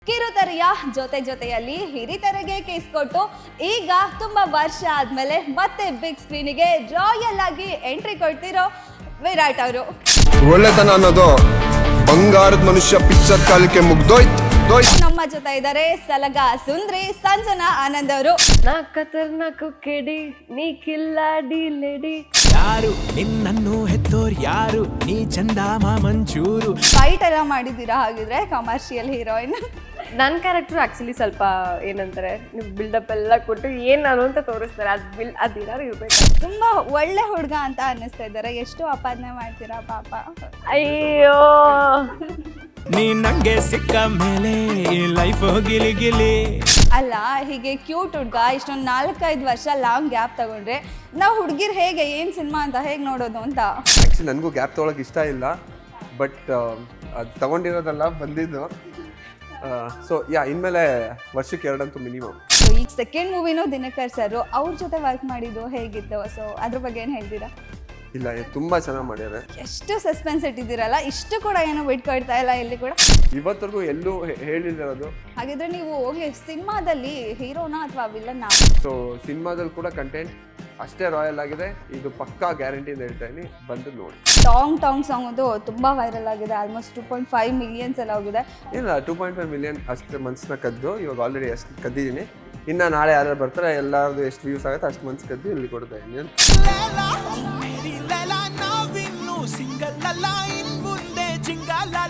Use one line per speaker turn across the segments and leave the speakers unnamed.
ಕಿರುತೆರೆಯ ಜೊತೆಯಲ್ಲಿ ಹಿರಿತೆರೆಗೆ ಕೇಸ್ ಕೊಟ್ಟು ಈಗ ತುಂಬಾ ವರ್ಷ ಆದ್ಮೇಲೆ ಮತ್ತೆ ಬಿಗ್ ಸ್ಕ್ರೀನಿಗೆ ರಾಯಲ್ ಆಗಿ ಎಂಟ್ರಿ ಕೊಡ್ತಿರೋ ವಿರಾಟ್ ಅವರು.
ಒಳ್ಳೆತನ ಅನ್ನೋದು ಬಂಗಾರದ ಮನುಷ್ಯ ಪಿಕ್ಚರ್ ಕಾಲಕ್ಕೆ ಮುಗ್ದೋಯ್ತು.
ನಮ್ಮ ಜೊತೆ ಇದ್ದಾರೆ ಸಲಗ ಸುಂದ್ರಿ ಸಂಜನಾ ಆನಂದ್ ಅವರು.
ನಾ ಖತರ್ನಾಕು ಕೆಡಿ ನೀ ಕಿಲ್ಲಾಡಿ ಲೇಡಿ.
ಯಾರು ನಿನ್ನನ್ನು ಹೆತ್ತೋರ್ ಯಾರು ನೀ ಚಂದಾಮ ಮಂಚೂರು.
ಫೈಟ್ ಎಲ್ಲ ಮಾಡಿದ್ದೀರಾ ಹಾಗಿದ್ರೆ ಕಮರ್ಷಿಯಲ್ ಹೀರೋಯಿನ್?
ನನ್ನ ಕ್ಯಾರೆಕ್ಟರ್ ಆಕ್ಚುಲಿ ಸ್ವಲ್ಪ ಏನಂತಾರೆ ನೀವು ಬಿಲ್ಡಪ್ ಎಲ್ಲ ಕೊಟ್ಟು ಏನ್ ನಾನು ಅಂತ ತೋರಿಸ್ತಾರೆ ಅದೇನಾದ್ರು ಇರ್ಬೇಕು.
ತುಂಬಾ ಒಳ್ಳೆ ಹುಡುಗ ಅಂತ ಅನ್ನಿಸ್ತಾ ಇದ್ದಾರೆ. ಎಷ್ಟು ಅಪಾದನೆ ಮಾಡ್ತೀರಾ ಪಾಪ.
ಅಯ್ಯೋ
ನೀ ನಂಗೆ ಸಿಕ್ಕ ಮೇಲೆ ಲೈಫ್ ಗಿಲಿ ಗಿಲಿ.
ಅಲ್ಲ, ಹೀಗೆ ಕ್ಯೂಟ್ ಹುಡುಗ ಇಷ್ಟೊಂದು 4-5 ವರ್ಷ ಲಾಂಗ್ ಗ್ಯಾಪ್ ತಗೊಂಡ್ರೆ ನಾವು ಹುಡುಗಿರ್ ಹೇಗೆ ಏನ್ ಸಿನಿಮಾ ಅಂತ ಹೇಗೆ ನೋಡೋದು ಅಂತ.
ಆ್ಯಕ್ಚುಲಿ ನನಗೂ ಗ್ಯಾಪ್ ತೊಗೊಳಕ್ಕೆ ಇಷ್ಟ ಇಲ್ಲ, ಬಟ್ ಅದು ತಗೊಂಡಿರೋದಲ್ಲ ಬಂದಿದ್ದು. ಸೊ ಇನ್ಮೇಲೆ ವರ್ಷಕ್ಕೆ 2 ಅಂತೂ ಮಿನಿಮಮ್.
ಈಗ ಸೆಕೆಂಡ್ ಮೂವಿನೂ ದಿನಕರ್ ಸರ್ ಅವ್ರ ಜೊತೆ ವರ್ಕ್ ಮಾಡಿದ್ದು ಹೇಗಿತ್ತು? ಸೊ ಅದ್ರ ಬಗ್ಗೆ ಏನು ಹೇಳ್ತೀರಾ?
ಇಲ್ಲ, ತುಂಬ ಚೆನ್ನಾಗಿ ಮಾಡ್ಯಾರೆ.
ಎಷ್ಟು ಸಸ್ಪೆನ್ಸ್ ಇಟ್ಟಿದ್ದೀರಲ್ಲ, ಇಷ್ಟು ಕೂಡ ಏನೋ ಬಿಟ್ಕೊಡ್ತಾ ಇಲ್ಲ ಇಲ್ಲಿ ಕೂಡ.
ಇವತ್ತರೆಗೂ ಎಲ್ಲೂ ಹೇಳಿದಿರೋದು.
ಹಾಗಿದ್ರೆ ನೀವು ಸಿನಿಮಾದಲ್ಲಿ ಹೀರೋನಾ ಅಥವಾ ವಿಲನ್ನ?
ಸೊ ಸಿನಿಮಾದಲ್ಲಿ ಕೂಡ ಕಂಟೆಂಟ್ ಅಷ್ಟೇ ರಾಯಲ್ ಆಗಿದೆ. ಇದು ಪಕ್ಕಾ ಗ್ಯಾರಂಟಿ ಅಂತ ಹೇಳ್ತಾ ಇದೀನಿ, ಬಂದು ನೋಡಿ.
ಟಾಂಗ್ ಸಾಂಗ್ ಅದು ತುಂಬಾ ವೈರಲ್ ಆಗಿದೆ. ಆಲ್ಮೋಸ್ಟ್ 2.5 ಮಿಲಿಯನ್ಸ್ ಎಲ್ಲ ಹೋಗಿದೆ.
ಇಲ್ಲ, 2.5 ಮಿಲಿಯನ್ ಅಷ್ಟು ಮನ್ಸನ್ನ ಕದ್ದು ಇವಾಗ ಆಲ್ರೆಡಿ ಅಷ್ಟು ಕದ್ದಿದ್ದೀನಿ. ಇನ್ನು ನಾಳೆ ಯಾರು ಬರ್ತಾರೆ ಎಲ್ಲರದು ಎಷ್ಟು ವ್ಯೂಸ್ ಆಗುತ್ತೆ ಅಷ್ಟು ಮನ್ಸು ಕದ್ದು ಇಲ್ಲಿ ಕೊಡ್ತಾ ಇದ್ದೀನಿ.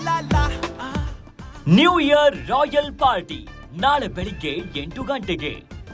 ನ್ಯೂ ಇಯರ್ ರಾಯಲ್ ಪಾರ್ಟಿ ನಾಳೆ ಬೆಳಿಗ್ಗೆ 8 ಗಂಟೆಗೆ.